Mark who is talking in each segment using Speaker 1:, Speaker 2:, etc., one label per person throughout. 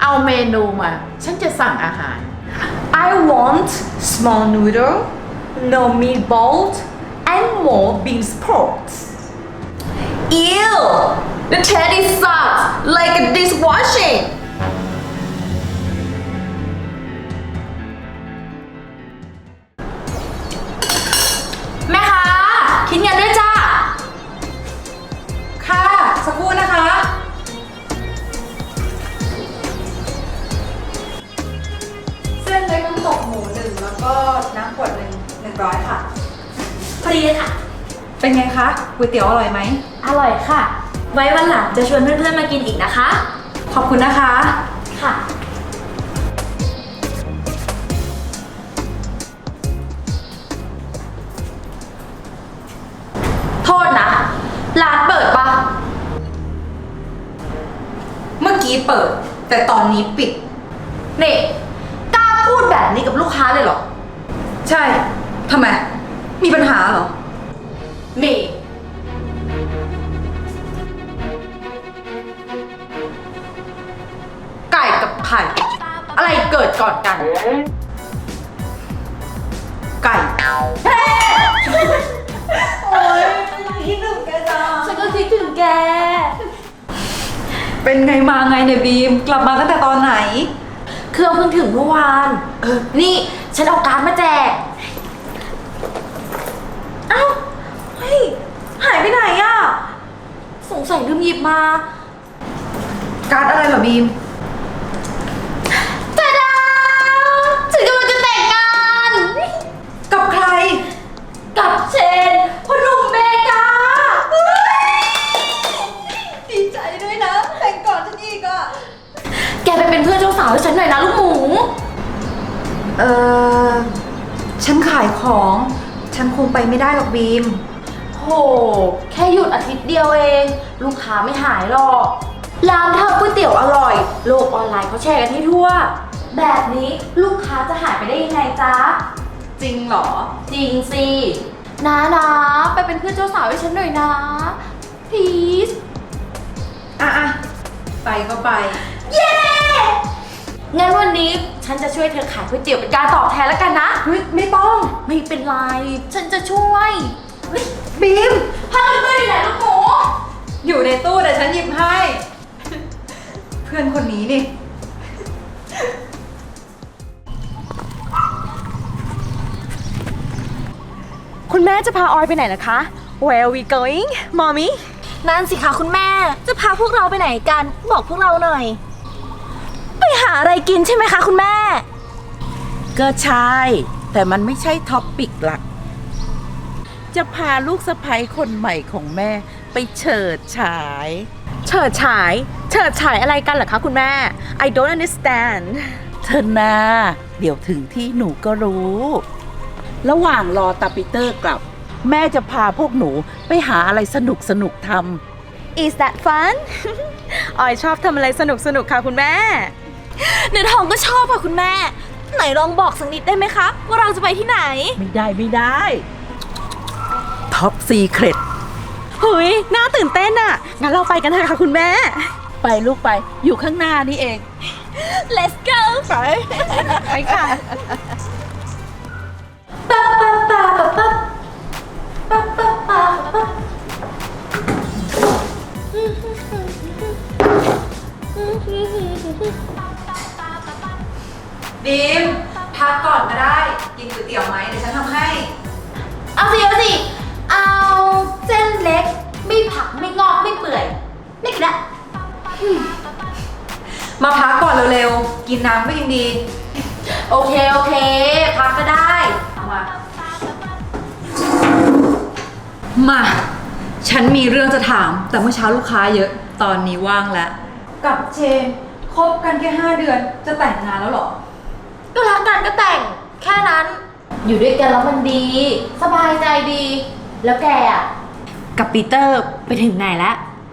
Speaker 1: เอาเมนูมา ฉันจะสั่งอาหาร
Speaker 2: I want small noodle, no meatballs, and more bean sprouts.
Speaker 3: Ew! The taste sucks like a dishwashing.
Speaker 2: แม่ค้าคิดเงินด้วยจ้าค่ะสักครู่นะคะ เส้นเล็กน้ำตกหมู1แล้วก็น้ำขวด100ค่ะพอดีเลยค่ะ เป็นไงคะก๋วยเตี๋ยวอร่อยไหมอร่อยค่ะ
Speaker 3: ไว้วันหลังจะชวนเพื่อนๆมากินอีกนะคะ
Speaker 2: ขอบคุณนะคะ
Speaker 3: ค่ะ
Speaker 2: โทษนะ ร้านเปิดปะเมื่อกี้เปิด แต่ตอนนี้ปิดนี่กล้าพูดแบบนี้กับลูกค้าเลยเหรอ ใช่ทำไม มีปัญหาเหรอ มีไก่กับไข่อะไรเกิดก่อนกัน ไก่ โอ๊ยคิดถึงแกจัง
Speaker 3: ฉันก็คิดถึงแก
Speaker 2: เป็นไงมาไงเนี่ยบีม กลับมาตั้งแต่ตอนไหน
Speaker 3: เครื่องเพิ่งถึงเมื่อวาน นี่ฉันเอาการ์ดมาแจก เอ้า เฮ้ย หายไปไหนอะสงสัยลืมหยิบมา
Speaker 2: การ์ดอะไรเหรอบีม
Speaker 3: ตาดาฉันกำลังจะแต่งงาน
Speaker 2: กับใคร
Speaker 3: กับเชนพ่อหนุ่มเมกา
Speaker 2: ดีใจด้วยนะ แต่งก่อนฉันอีกอ่ะ
Speaker 3: แกไปเป็นเพื่อนเจ้าสาวให้ฉันหน่อยนะลูกหมู
Speaker 2: เออฉันขายของ ฉันคงไปไม่ได้หรอกบีม
Speaker 3: โห แค่หยุดอาทิตย์เดียวเอง ลูกค้าไม่หายหรอก ร้านทำก๋วยเตี๋ยวอร่อย โลกออนไลน์เขาแชร์กันให้ทั่ว แบบนี้ลูกค้าจะหายไปได้ยังไงจ๊ะ
Speaker 2: จริงเหรอ
Speaker 3: จริงสินะไปเป็นเพื่อนเจ้าสาวให้ฉันหน่อยนะ please
Speaker 2: อ่ะ ไปก็ไป
Speaker 3: เย้ งั้นวันนี้ฉันจะช่วยเธอขายก๋วยเตี๋ยวเป็นการตอบแทนแล้วกันนะ
Speaker 2: เฮ้ย ไม่ต้อง
Speaker 3: ไม่เป็นไร ฉันจะช่วยเฮ้ย
Speaker 2: บีม
Speaker 3: ผ้ากันเปื้อนอยู่ไหนลูกหมู
Speaker 2: อยู่ในตู้แต่ฉันหยิบให้ เพื่อนคนนี้นี่
Speaker 4: คุณแม่จะพาออยไปไหนนะคะ Where are we going, mommy?
Speaker 3: นั่นสิคะคุณแม่ จะพาพวกเราไปไหนกัน บอกพวกเราหน่อย ไปหาอะไรกินใช่ไหมคะคุณแม่
Speaker 1: ก็ใช่ แต่มันไม่ใช่ท็อปปิกหลัก จะพาลูกสะใภ้คนใหม่ของแม่ไปเฉิดฉาย
Speaker 4: เฉิดฉาย เฉิดฉายอะไรกันเหรอคะคุณแม่ I don't understand
Speaker 1: เธอนาเดี๋ยวถึงที่หนูก็รู้ ระหว่างรอตาปีเตอร์กลับ แม่จะพาพวกหนูไปหาอะไรสนุกทำ
Speaker 4: Is that fun? ออยชอบทำอะไรสนุกค่ะคุณแม่
Speaker 3: เนื้อทองก็ชอบค่ะคุณแม่ ไหนลองบอกสักนิดได้ไหมคะ ว่าเราจะไปที่ไหน
Speaker 1: ไม่ได้ท็อปซีเครต
Speaker 4: เฮ้ย น่าตื่นเต้นอะงั้นเราไปกันเถอะค่ะคุณแม่
Speaker 1: ไปลูกไปอยู่ข้างหน้านี่เอง
Speaker 3: Let's go
Speaker 4: ไปค่ะ
Speaker 3: ปั๊บปั๊บปั๊บปั๊บปั๊บปั๊บปั๊บปั๊บ
Speaker 2: บีม พักก่อนก็ได้ กินก๋วยเตี๋ยวไหมเดี๋ยวฉันทำให้
Speaker 3: เอาสิ เอาเส้นเล็ก ไม่ผักไม่งอกไม่เปื่อย ไม่กินละ
Speaker 2: มาพักก่อนเร็วๆ กินน้ำก็ยังดี
Speaker 3: โอเค พักก็ได้
Speaker 2: เอามา มา ฉันมีเรื่องจะถาม แต่เมื่อเช้าลูกค้าเยอะ ตอนนี้ว่างแล้ว กับเชนคบกันแค่5 เดือน จะแต่งงานแล้วเหรอ
Speaker 3: ก็รักกันก็แต่ง แค่นั้น อยู่ด้วยกันแล้วมันดี สบายใจดี แล้วแกอ่ะ กับปีเตอร์ไปถึงไหนแล้ว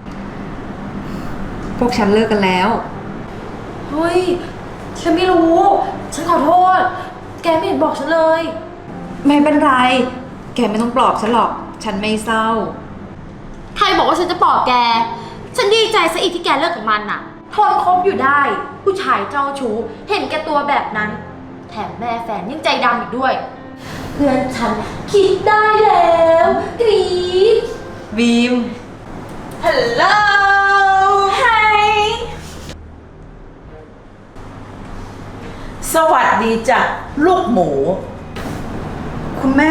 Speaker 2: พวกฉันเลิกกันแล้ว
Speaker 3: เฮ้ย ฉันไม่รู้ ฉันขอโทษ แกไม่เห็นบอกฉันเลย
Speaker 2: ไม่เป็นไร แกไม่ต้องปลอบฉันหรอก ฉันไม่เศร้า
Speaker 3: ใครบอกว่าฉันจะปลอบแก ฉันดีใจซะอีกที่แกเลิกกับมันน่ะทนคบอยู่ได้ ผู้ชายเจ้าชู้ เห็นแก่ตัวแบบนั้น แถมแม่แฟนยังใจดำอีกด้วย เพื่อนฉันคิดได้แล้วกรี๊ด
Speaker 2: บีม
Speaker 3: ฮัลโหลไฮ
Speaker 1: สวัสดีจ้ะลูกหมู
Speaker 2: คุณแม่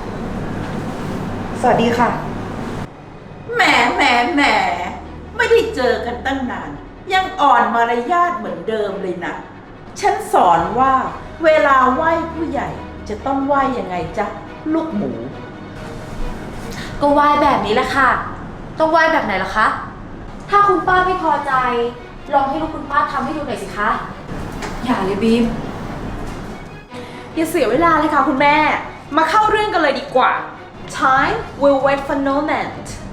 Speaker 2: สวัสดีค่ะ
Speaker 1: แหมไม่ได้เจอกันตั้งนาน ยังอ่อนมารยาทเหมือนเดิมเลยนะ ฉันสอนว่าเวลาไหว้ผู้ใหญ่จะต้องไหว้ยังไงจ๊ะลูกหมู
Speaker 3: ก็ไหว้แบบนี้แหละค่ะ ต้องไหว้แบบไหนล่ะคะ ถ้าคุณป้าไม่พอใจ ลองให้ลูกคุณป้าทำให้ดูหน่อยสิคะ
Speaker 2: อย่าเลยบีม
Speaker 4: อย่าเสียเวลาเลยค่ะคุณแม่ มาเข้าเรื่องกันเลยดีกว่า Time will wait for no man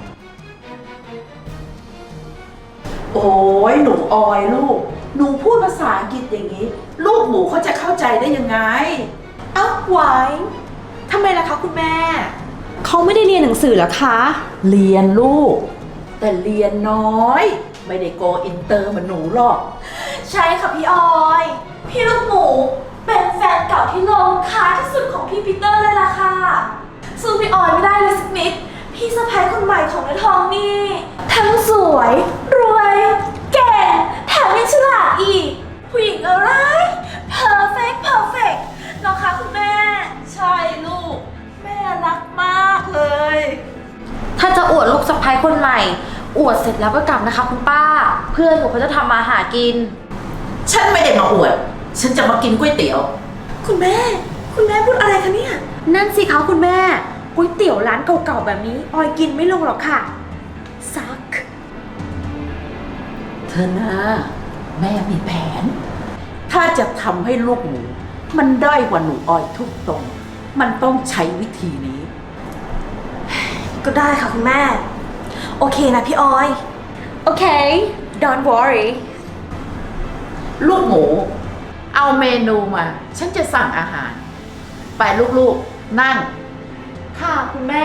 Speaker 1: โอ้ยหนูออยลูก หนูพูดภาษาอังกฤษอย่างนี้ ลูกหมูเขาจะเข้าใจได้ยังไง
Speaker 4: เอ้าไว้ทำไมล่ะคะคุณแม่ เขาไม่ได้เรียนหนังสือเหรอคะ
Speaker 1: เรียนลูก แต่เรียนน้อย ไม่ได้โกอินเตอร์เหมือนหนูหรอก
Speaker 3: ใช่ค่ะพี่ออย พี่ลูกหมู เป็นแฟนเก่าที่โลงค้าที่สุดของพี่ปีเตอร์เลยล่ะค่ะสู้พี่ออยไม่ได้เลยสักนิด พี่สะพ้ายคนใหม่ของเนื้อทองนี่ ทั้งสวย รวย แก่แถมยังฉลาดอีก ผู้หญิงอะไร perfect เนาะคะคุณแม่
Speaker 1: ใช่ลูก แม่รักมากเลย
Speaker 3: ถ้าจะอวดลูกสะพ้ายคนใหม่ อวดเสร็จแล้วก็กลับนะคะคุณป้า เพื่อนหนูเขาจะทำมาหากิน
Speaker 1: ฉันไม่ได้มาอวด ฉันจะมากินก๋วยเตี๋ยว
Speaker 4: คุณแม่พูดอะไรคะเนี่ย นั่นสิคะคุณแม่ ก๋วยเตี๋ยวร้านเก่าๆแบบนี้ ออยกินไม่ลงหรอกค่ะ ซัก
Speaker 1: เธอนะแม่มีแผน ถ้าจะทำให้ลูกหมูมันด้อยกว่าหนูออยทุกตรง มันต้องใช้วิธีนี้
Speaker 4: ก็ได้ค่ะคุณแม่ โอเคนะพี่ออย โอเค don't worry
Speaker 1: ลูกหมู เอาเมนูมา ฉันจะสั่งอาหาร ไปลูกๆ นั่ง
Speaker 3: ค่ะคุณแม่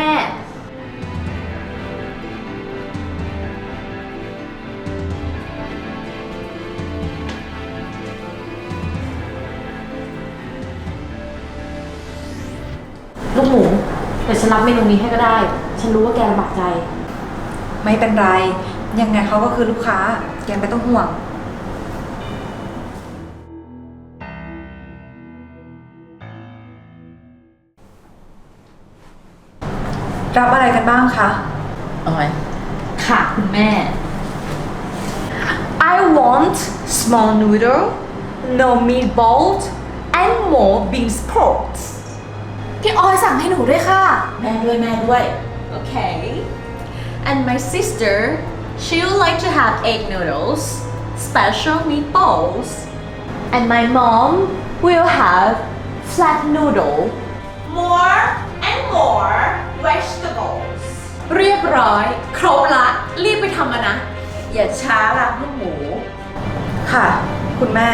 Speaker 3: ลูกหมู เดี๋ยวฉันรับเมนูนี้ให้ก็ได้ ฉันรู้ว่าแกลำบากใจ
Speaker 2: ไม่เป็นไร ยังไงเขาก็คือลูกค้า แกไม่ต้องห่วง รับอะไรกันบ้างคะ
Speaker 1: ออย
Speaker 3: ค่ะคุณแม่
Speaker 4: I want small noodle no meatballs and more bean sprouts
Speaker 3: พี่ออยสั่งให้หนูด้วยค่ะ
Speaker 1: แม่ด้วย
Speaker 4: Okay. And my sister, she would like to have egg noodles, special meatballs. And my mom will have flat noodle, more and more vegetables. เรียบร้อย ครบละ รีบไปทำกันนะ
Speaker 1: อย่าช้าล่ะลูกหมู
Speaker 2: ค่ะ คุณแม่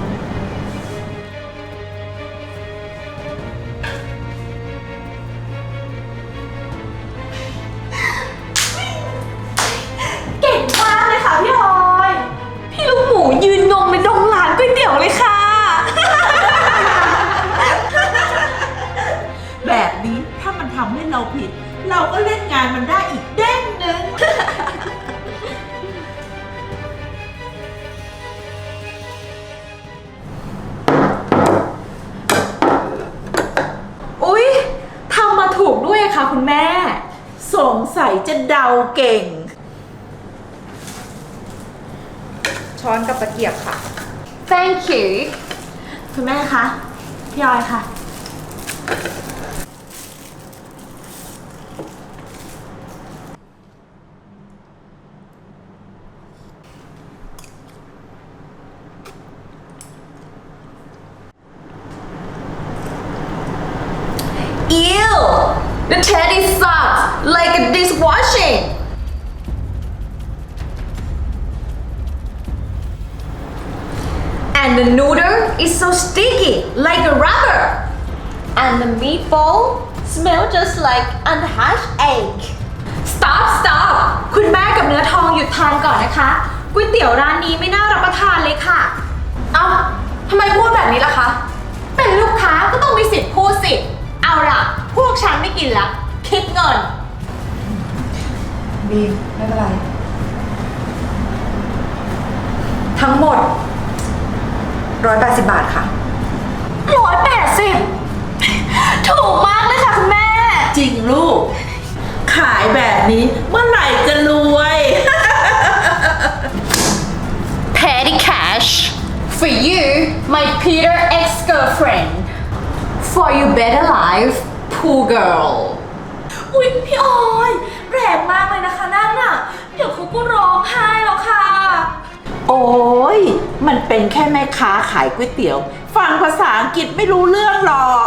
Speaker 3: เก่งมากเลยค่ะพี่ออย พี่ลูกหมูยืนงงในดงร้านก๋วยเตี๋ยวเลยค่ะ
Speaker 1: แบบนี้ถ้ามันทำให้เราผิด เราก็เล่นงานมันได้อีกเด้งหนึ่ง
Speaker 4: อุ๊ย ทำมาถูกด้วยค่ะคุณแม่
Speaker 1: สงสัยจะเดาเก่ง
Speaker 2: ช้อนกับตะเกียบค่ะ
Speaker 3: Thank you คุณแม่คะ พี่ออยค่ะ
Speaker 4: Ew! The teddy sucks like a dishwashing. And the noodle is so sticky like a rubber. And the meatball smell just like unhatched egg. Stop! คุณแม่กับเนื้อทองหยุดทานก่อนนะคะก๋วยเตี๋ยวร้านนี้ไม่น่ารับประทานเลยค่ะ
Speaker 2: เอ้าทำไมพูดแบบนี้ล่ะคะ
Speaker 4: เป็นลูกค้าก็ต้องมีสิทธิ์พูดสิ เอาล่ะ พวกฉันไม่กินละ คิดเงิน
Speaker 2: บีมไม่เป็นไร ทั้งหมด 180 บาทค่ะ
Speaker 3: 180 ถูกมากเลยค่ะคุณแม่
Speaker 1: จริงลูก ขายแบบนี้เมื่อไหร่จะรวย
Speaker 4: Petty cash for you my Peter ex-girlfriend for your better life poor girl
Speaker 3: อุ๊ยพี่ออยแรงมากเลยนะคะนั่นน่ะ เดี๋ยวเขาก็ร้องไห้แล้วค่ะ
Speaker 1: โอ้ยมันเป็นแค่แม่ค้าขายก๋วยเตี๋ยว ฟังภาษาอังกฤษไม่รู้เรื่องหรอก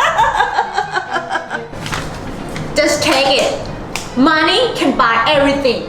Speaker 4: just take it money can buy everything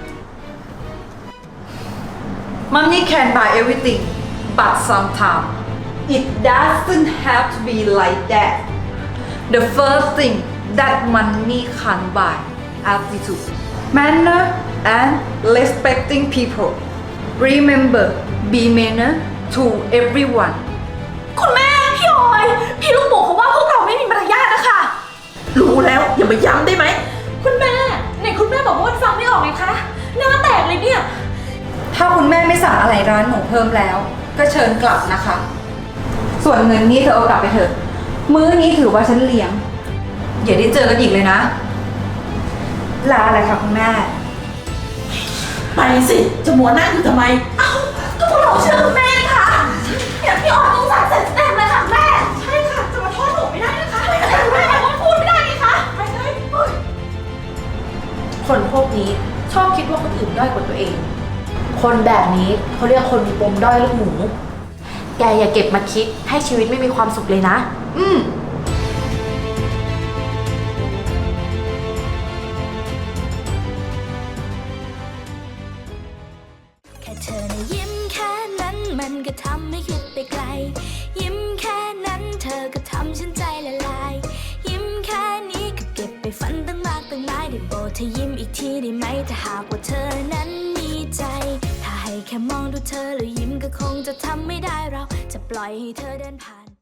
Speaker 2: Money can buy everything but sometimes it doesn't have to be like that The first thing that money can't buy attitude manner and respecting people Remember be manner to everyone
Speaker 3: คุณแม่พี่ออย พี่ลูกหมูเขาว่าพวกเราไม่มีมารยาทนะคะ
Speaker 1: รู้แล้วอย่ามาย้ำได้ไหม
Speaker 3: คุณแม่ไหนคุณแม่บอกว่าฟังไม่ออกไงคะหน้าแตกเลยเนี่ย
Speaker 2: ถ้าคุณแม่ไม่สั่งอะไรร้านหนูเพิ่มแล้ว ก็เชิญกลับนะคะ ส่วนเงินนี้เธอเอากลับไปเถอะ มื้อนี้ถือว่าฉันเลี้ยง อย่าได้เจอกันอีกเลยนะ ลาอะไรคะคุณแม่
Speaker 1: ไปสิ จะมัวนั่งอยู่ทำไม
Speaker 3: เอ้าก็พวกเราเชื่อคุณแม่นี่ค่ะเนี่ยพี่ออยต้องสั่งเสร็จเต็มเลยค่ะแม่ ใช่ค่ะ จะมาโทษหนูไม่ได้นะคะแม่พูดไม่ได้ไงคะไปเลยคนพวกนี้ชอบคิดว่าคนอื่นด้อยกว่าตัวเอง คนแบบนี้เขาเรียกคนมีปมด้อยลูกหมู แกอย่าเก็บมาคิดให้ชีวิตไม่มีความสุขเลยนะ
Speaker 2: อืม
Speaker 5: แค่เธอนะยิ้มแค่นั้นมันก็ทำให้คิดไปไกล ยิ้มแค่นั้นเธอก็ทำฉันใจละลาย ยิ้มแค่นี้ก็เก็บไปฝันตั้งมากตั้งหลายได้โปรดเธอยิ้มอีกทีได้ไหมถ้าหากว่าเธอนั้นมีใจ ถ้าให้แค่มองดูเธอแล้วยิ้มก็คงจะทำไม่ได้เราจะปล่อยให้เธอเดินผ่าน